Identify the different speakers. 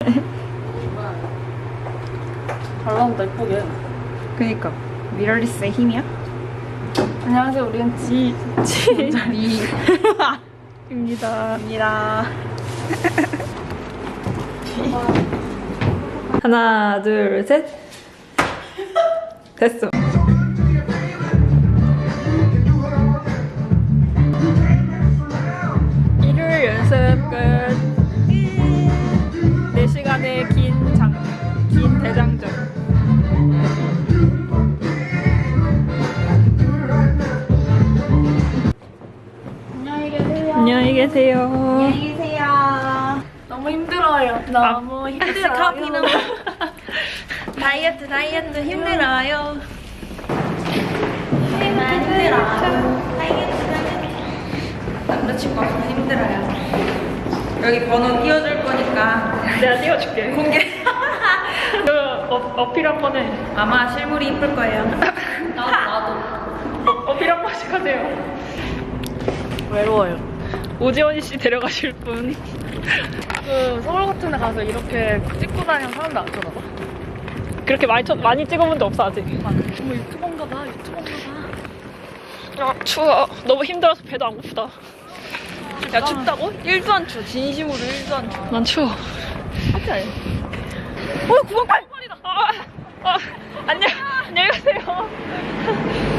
Speaker 1: 잘 나온다, 예쁘게.
Speaker 2: 그니까 미러리스의 힘이야?
Speaker 1: 안녕하세요, 우리는
Speaker 2: 입니다. 하나, 둘, 셋. 됐어. 일요일 연습 끝. 4시간의 긴 대장정. 안녕히 계세요.
Speaker 1: 안녕히 계세요. 너무 힘들어요. 너무 힘들어요.
Speaker 3: 커피는 다이어트 힘들어요. 남자친구 없어서 힘들어요. 여기 번호 띄워줄 거니까
Speaker 2: 내가 띄워줄게.
Speaker 3: 공개.
Speaker 2: 어필 한 번 해.
Speaker 3: 아마 실물이 이쁠 거예요.
Speaker 1: 나도.
Speaker 2: 어필 한 번씩 하세요.
Speaker 1: 외로워요.
Speaker 2: 오지원 씨 데려가실 분. 서울 같은 데 가서 이렇게 찍고 다니는 사람들 안 쳐다봐? 그렇게 많이 찍어본 적 없어, 아직?
Speaker 1: 어머, 유튜버인가 봐.
Speaker 2: 아, 추워. 너무 힘들어서 배도 안 고프다.
Speaker 3: 야, 춥다고? 1도 안 추워. 진심으로 1도 안 추워.
Speaker 2: 난 추워.
Speaker 3: 하지?
Speaker 2: 9번 8번이다. 안녕히 가세요.